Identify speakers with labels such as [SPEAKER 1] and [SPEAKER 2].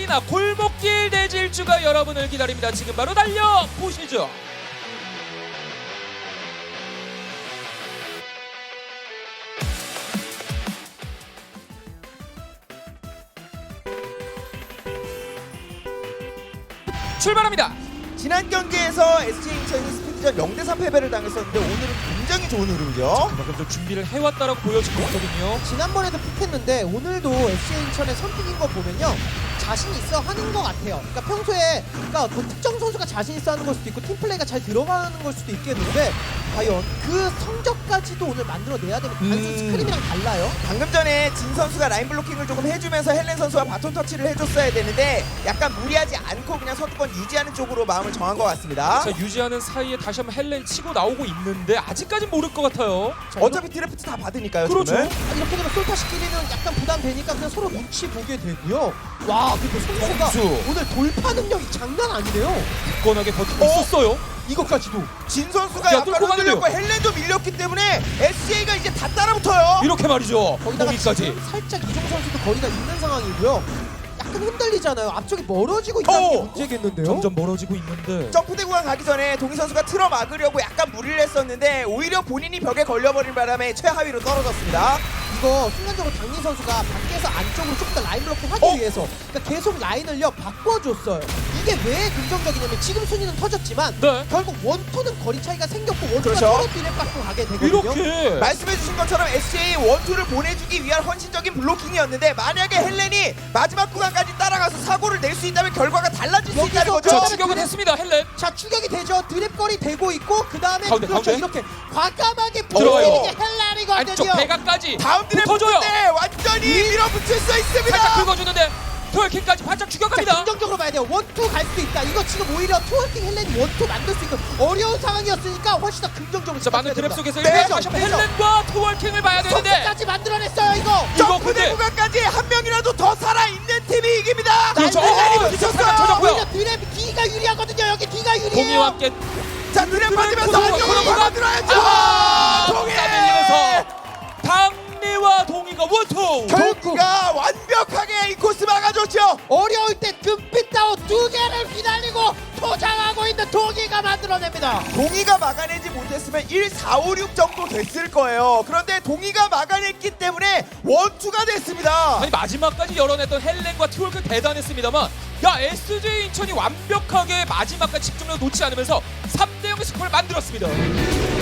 [SPEAKER 1] 아레나 골목길 대질주가 여러분을 기다립니다. 지금 바로 달려보시죠. 출발합니다.
[SPEAKER 2] 지난 경기에서 SJ인천이 스피드전 0대3 패배를 당했었는데 오늘은 굉장히 좋은 흐름이죠.
[SPEAKER 1] 그만큼 좀 준비를 해왔다라고 보여지고 있거든요.
[SPEAKER 3] 지난번에도 픽했는데 오늘도 FC 인천의 선픽인 거 보면요 자신 있어 하는 것 같아요. 그러니까 평소에 뭐 특정 선수가 자신 있어 하는 걸 수도 있고 팀플레이가 잘 들어가는 걸 수도 있겠는데 과연 그 성적까지도 오늘 만들어내야 되면 단순 스크림이랑 달라요.
[SPEAKER 2] 방금 전에 진 선수가 라인 블로킹을 조금 해주면서 헬렌 선수가 바톤 터치를 해줬어야 되는데 약간 무리하지 않고 그냥 선두권 유지하는 쪽으로 마음을 정한 것 같습니다.
[SPEAKER 1] 자, 유지하는 사이에 다시 한번 헬렌 치고 나오고 있는데 아직까진 모를 것 같아요.
[SPEAKER 2] 어차피 드래프트 다 받으니까요.
[SPEAKER 1] 그렇죠.
[SPEAKER 2] 지금은.
[SPEAKER 3] 이렇게 되면 솔타시키기는 약간 부담되니까 그냥 서로 눈치 보게 되고요. 와 근데 선수가
[SPEAKER 1] 선수.
[SPEAKER 3] 오늘 돌파 능력이 장난 아니네요.
[SPEAKER 1] 굳건하게 버티고 있었어요.
[SPEAKER 3] 이것까지도.
[SPEAKER 2] 진 선수가
[SPEAKER 1] 야,
[SPEAKER 2] 약간
[SPEAKER 1] 뚫고
[SPEAKER 2] 흔들렸고
[SPEAKER 1] 가는데요.
[SPEAKER 2] 헬렌도 밀렸기 때문에 SJ가 이제 다 따라붙어요.
[SPEAKER 1] 이렇게 말이죠.
[SPEAKER 3] 거기다가
[SPEAKER 1] 공기까지.
[SPEAKER 3] 지금 살짝 이종 선수도 거리가 있는 상황이고요. 약간 흔들리잖아요. 앞쪽이 멀어지고 있다는 게 문제겠는데요.
[SPEAKER 1] 점점 멀어지고 있는데.
[SPEAKER 2] 점프대 구간 가기 전에 동희 선수가 틀어 막으려고 약간 무리를 했었는데 오히려 본인이 벽에 걸려버린 바람에 최하위로 떨어졌습니다.
[SPEAKER 3] 이거 순간적으로 당민 선수가 밖에서 안쪽으로 조금 더 라인 블록킹 하기 위해서 그러니까 계속 라인을요 바꿔줬어요. 이게 왜 긍정적이냐면 지금 순위는 터졌지만
[SPEAKER 1] 네.
[SPEAKER 3] 결국 원투는 거리 차이가 생겼고 원투가
[SPEAKER 2] 그렇죠.
[SPEAKER 3] 서로 비례 받고 가게 되거든요.
[SPEAKER 1] 이렇게.
[SPEAKER 2] 말씀해주신 것처럼 SJ 원투를 보내주기 위한 헌신적인 블로킹이었는데 만약에 헬렌이 마지막 구간까지 따라가서 사고를 낼 수 있다면 결과가 달라질 수 있다는 거죠.
[SPEAKER 1] 자, 추격은 했습니다. 헬렌.
[SPEAKER 3] 자 추격이 되죠. 드랩거리 되고 있고 그 다음에
[SPEAKER 1] 가운데,
[SPEAKER 3] 그렇죠
[SPEAKER 1] 가운데.
[SPEAKER 3] 이렇게 과감하게
[SPEAKER 1] 들어가요.
[SPEAKER 3] 보여주는 게 헬라리거든요.
[SPEAKER 1] 안쪽 배가까지
[SPEAKER 2] 다음
[SPEAKER 1] 붙어줘요.
[SPEAKER 2] 드래프트 때 완전히 밀어붙일 수
[SPEAKER 1] 살짝
[SPEAKER 2] 있습니다.
[SPEAKER 1] 긁어주는데 토요킹까지 바짝
[SPEAKER 3] 자,
[SPEAKER 1] 추격합니다.
[SPEAKER 3] 긍정적으로 봐야 돼요. 원투 갈 수 있다. 이거 지금 오히려 투어킹 헬렌이 원투 만들 수 있는 어려운 상황이었으니까 훨씬 더 긍정적으로
[SPEAKER 1] 자, 많은
[SPEAKER 3] 생각해야
[SPEAKER 1] 드랩 속에서
[SPEAKER 3] 됩니다.
[SPEAKER 1] 일단 다시 한번 헬렌과 토월킹을 봐야 되는데
[SPEAKER 3] 선수까지 만들어냈어요 이거.
[SPEAKER 1] 이거
[SPEAKER 2] 점프대
[SPEAKER 1] 근데
[SPEAKER 2] 구간까지 한 명이라도 더 살아있는 팀이 이깁니다.
[SPEAKER 1] 그렇죠.
[SPEAKER 2] 헬렌이
[SPEAKER 1] 진짜
[SPEAKER 2] 붙였어요.
[SPEAKER 1] 살짝 터졌고요.
[SPEAKER 3] 오히려 드랩 D가 유리하거든요. 여기 D가 유리해요.
[SPEAKER 1] 동이와 함께
[SPEAKER 2] 자 드랩 맞으면서
[SPEAKER 1] 구간,
[SPEAKER 2] 안쪽으로
[SPEAKER 1] 구간.
[SPEAKER 2] 받아들어야죠. 동해.
[SPEAKER 1] 밀리면서 당리와 동이가 원투.
[SPEAKER 2] 경기가 완벽하게 이 코스 막아줬죠.
[SPEAKER 3] 어려울 때 금빛 다운 두 개를 휘날리고 포장하고 있는 동이가 만들어냅니다.
[SPEAKER 2] 동희가 막아내지 못했으면 1, 4, 5, 6 정도 됐을 거예요. 그런데 동희가 막아냈기 때문에 원투가 됐습니다.
[SPEAKER 1] 아니 마지막까지 열어냈던 헬렌과 티월크 대단했습니다만 야 SJ 인천이 완벽하게 마지막까지 집중력 놓지 않으면서 3대0의 스코어를 만들었습니다.